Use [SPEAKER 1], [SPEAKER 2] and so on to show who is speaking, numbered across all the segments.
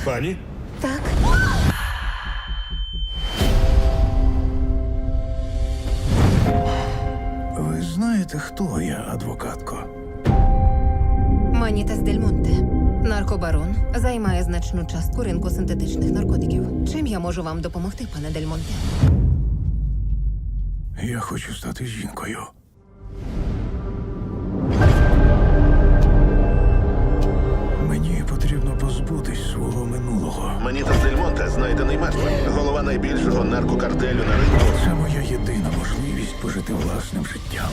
[SPEAKER 1] Пані?
[SPEAKER 2] Так.
[SPEAKER 3] Ви знаєте, хто я, адвокатко?
[SPEAKER 2] Манітас Дель Монте. Наркобарон. Займає значну частку ринку синтетичних наркотиків. Чим я можу вам допомогти, пане Дель Монте?
[SPEAKER 3] Я хочу стати жінкою. Мені потрібно позбутись свого минулого.
[SPEAKER 4] Манітас Дель Монте знайдений мертвий. Голова найбільшого наркокартелю на ринку.
[SPEAKER 3] Це моя єдина можливість пожити власним життям.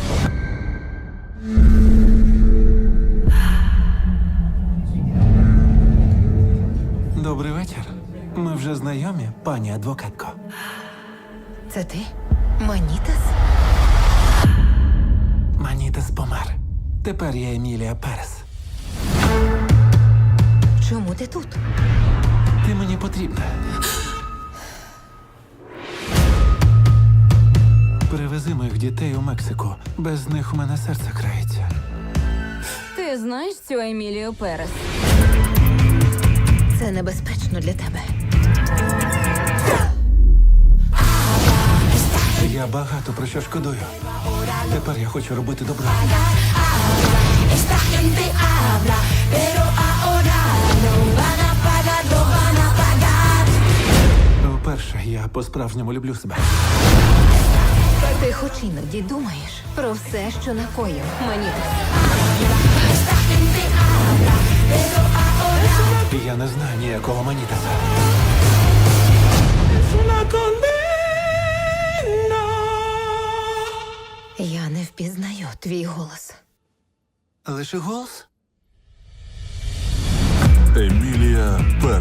[SPEAKER 5] Добрий вечір. Ми вже знайомі, пані адвокатко.
[SPEAKER 2] Це ти? Манітас?
[SPEAKER 5] Манітас помер. Тепер я Емілія Перес.
[SPEAKER 2] Чому ти тут?
[SPEAKER 5] Ти мені потрібна. Привези моїх дітей у Мексику. Без них у мене серце крається.
[SPEAKER 6] Ти знаєш цю Емілію Перес?
[SPEAKER 2] Це небезпечно для тебе.
[SPEAKER 5] Я багато про що шкодую. Тепер я хочу робити добро. Вперше я по-справжньому люблю себе.
[SPEAKER 2] Ти хоч іноді думаєш про все, що накоїв Манітас.
[SPEAKER 5] Я не знаю ніякого Манітаса.
[SPEAKER 2] Я не впізнаю твій голос.
[SPEAKER 5] Лише голос?
[SPEAKER 7] Емілія Перес.